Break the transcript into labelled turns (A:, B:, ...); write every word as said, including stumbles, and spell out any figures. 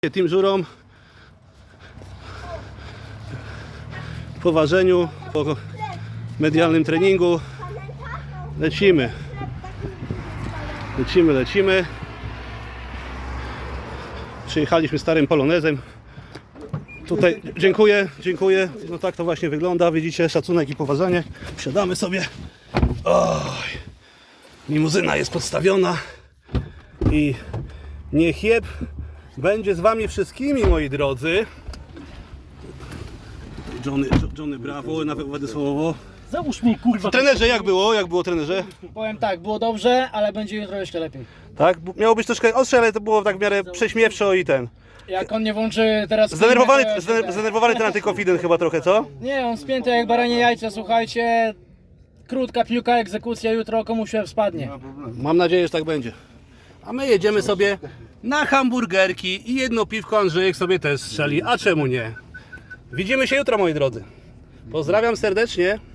A: Team Żurą po ważeniu, po medialnym treningu lecimy, lecimy, lecimy. Przyjechaliśmy starym polonezem. Tutaj dziękuję, dziękuję. No tak to właśnie wygląda. Widzicie, szacunek i poważanie. Wsiadamy sobie. Oj, limuzyna jest podstawiona i niech jeb będzie z wami wszystkimi, moi drodzy. Johnny, Johnny brawo, nawet Władysławowo.
B: Załóż mi, kurwa.
A: Trenerze, jak było? Jak było, trenerze?
B: Powiem tak, było dobrze, ale będzie jutro jeszcze lepiej.
A: Tak? Miało być troszkę ostrze, ale to było tak w miarę prześmiewczo i ten.
B: Jak on nie włączy teraz...
A: Zdenerwowany,
B: filmy, to ja się
A: zdener-
B: ten-
A: zdenerwowany ten antykonfident chyba trochę, co?
B: Nie, on spięty jak baranie jajce, słuchajcie. Krótka piłka, egzekucja, jutro komuś się spadnie.
A: Mam nadzieję, że tak będzie. A my jedziemy sobie na hamburgerki i jedno piwko Andrzejek sobie też strzeli, a czemu nie? Widzimy się jutro, moi drodzy. Pozdrawiam serdecznie.